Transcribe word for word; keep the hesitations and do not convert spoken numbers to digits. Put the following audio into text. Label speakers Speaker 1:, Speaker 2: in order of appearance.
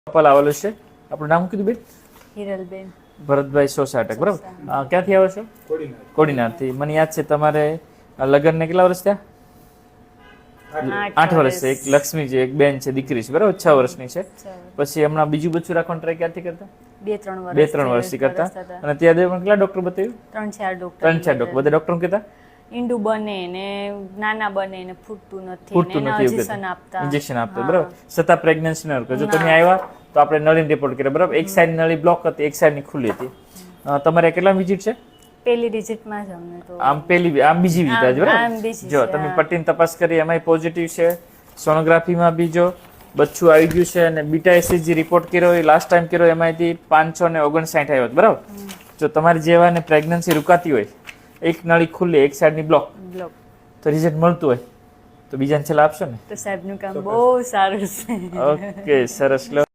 Speaker 1: Couple આવેલું છે. આપણું નામ કીધું બેન?
Speaker 2: હિરલબેન
Speaker 1: ભરતભાઈ સોસાટક, બરાબર. અ, ક્યાંથી આવો છો? કોડીનારથી. મને યાદ છે તમારે લગ્નને કેટલા વર્ષ થયા? આઠ વર્ષ છે. એક લક્ષ્મી છે, એક બેન છે, દીકરી છે, બરાબર, છ વર્ષની છે. પછી હમણાં બીજું બચ્ચું રાખવાનું ટ્રાય ક્યાંથી કરતા?
Speaker 2: બે ત્રણ વર્ષ
Speaker 1: બે ત્રણ વર્ષથી કરતા. અને ત્યાં પણ કેટલા ડોક્ટર બતાવ્યું?
Speaker 2: ત્રણ ચાર ડોક્ટર
Speaker 1: ત્રણ ચાર ડોક્ટર. બધા ડોક્ટર કહેતા
Speaker 2: ઈંડું બને ને નાના બને ને ફૂટતું નથી
Speaker 1: ફૂટતું
Speaker 2: ને
Speaker 1: નથી એવું
Speaker 2: ઇન્જેક્શન
Speaker 1: કહેતા.
Speaker 2: આપતા
Speaker 1: ઇન્જેક્શન આપતા, બરાબર. છતાં પ્રેગ્નન્સી ન કરો. જો તમે આવ્યા તો આપણે નળીને રિપોર્ટ કર્યો, બરાબર. એક સાઈડ નળી બ્લોક હતી, એક સાઈડ ની ખુલ્લી હતી. અ, તમારે કેટલા વિઝિટ છે?
Speaker 2: પેલી ડિજિટમાં જ અમને તો
Speaker 1: આમ પેલી આમ બીજી વિઝિટ
Speaker 2: આમ
Speaker 1: બરાબર.
Speaker 2: બીજી
Speaker 1: જો
Speaker 2: છે,
Speaker 1: તમે
Speaker 2: હા.
Speaker 1: પટ્ટીની તપાસ કરી એમાંય પોઝિટિવ છે, સોનોગ્રાફીમાં બી જો બચ્ચું આવી ગયું છે, અને બીટા એસીજી રિપોર્ટ કર્યો એ લાસ્ટ ટાઈમ કર્યો એમાંથી પાંચસો ને ઓગણસાઠ આવ્યો હતો, બરાબર. જો તમારી જેવાને પ્રેગ્નન્સી રૂકાતી હોય, એક નળી ખુલ્લી એક સાઈડની બ્લોક,
Speaker 2: બ્લોક
Speaker 1: તો રિઝલ્ટ મળતું હોય તો બીજાને છેલ્લા આપશો ને?
Speaker 2: તો સાહેબનું કામ બહુ સારું છે.
Speaker 1: ઓકે, સરસ. લો